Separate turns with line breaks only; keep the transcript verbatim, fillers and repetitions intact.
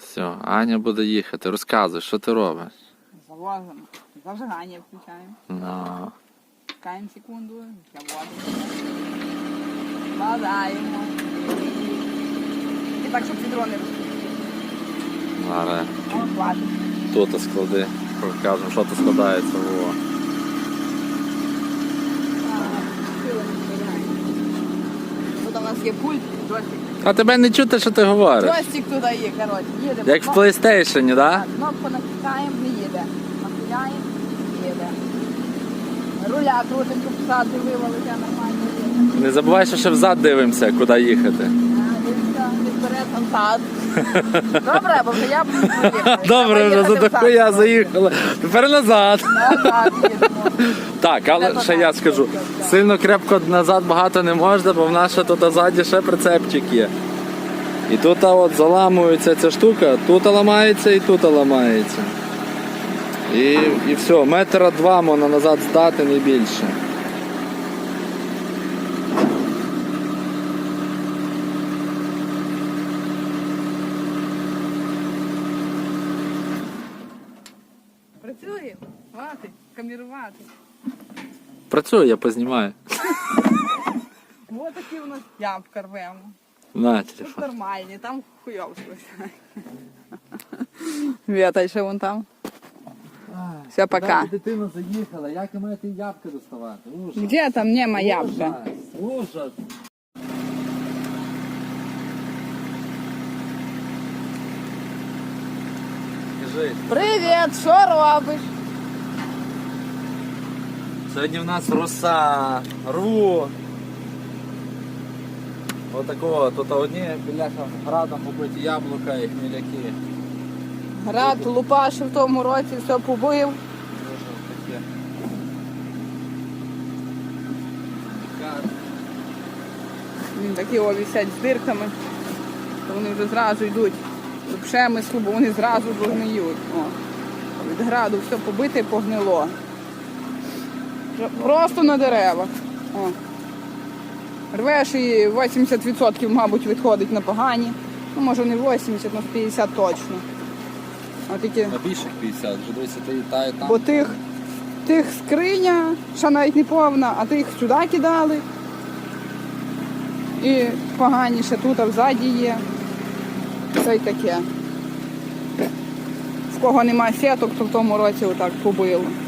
Все, Аня буде їхати. Розказуй, що ти робиш?
Завозимо. Зажигання включаємо.
Ну.
Чекаємо секунду. Заводимо. Складаємо. І так, щоб відро не розпустити.
Зараз.
О, хватить.
Тут склади. Покажемо, що тут складається. Во.
Тут у нас є пульт, джойстик.
А тебе не чути, що ти говориш?
Джойстик туди є, коротше, їде.
Як в PlayStation, так?
Кнопку натискаємо, не їде. Нахиляємо, їде. Руля крутенько всади вивалиться, нормально їде.
Не забувай, що ще взад дивимося, куди їхати.
А, дивіться, не вперед, там зад. Добре, бо вже я буду поїхати.
Добре, вже за таку я заїхала. Тепер назад.
Назад їдемо.
Так, але ще я скажу, сильно крепко назад багато не можна, бо в нас ще тут ззаді ще прицепчик є. І тут от заламується ця штука, тут ламається і тут ламається. І, і все, метра два можна назад здати, не більше.
Працює, хватить, камерувати.
Працюю, я познімаю.
Ось такі у нас ямка рвемо.
На,
Тут
телефон.
нормальні, там хуйов щось. Віта ще вон там. Все, пока.
Дитина заїхала, як і має ті ябки доставати? Ужас.
Где там нема ябка?
Ужас. Скажи,
Привіт, що робиш?
сьогодні в нас руса, рву. Отакого, тут одні біляха градом побиті яблука і хміляки.
Град лупашив в тому році, все побив.
Дуже таке.
Він такі о, висять з дирками, то вони вже зразу йдуть до пшемислу, бо вони зразу догниють. О. Від граду все побите і погнило. Просто на деревах. О. Рвеш і вісімдесят відсотків, мабуть, відходить на погані. Ну, може не вісімдесят, але п'ятдесят точно. А тільки...
На більших п'ятдесят, вже дивися, ти і та, і там.
Бо тих, тих скриня, ще навіть не повна, а тих сюди кидали. І поганіше тут, а взаді є. Це й таке. В кого немає сіток, то в тому році отак побило.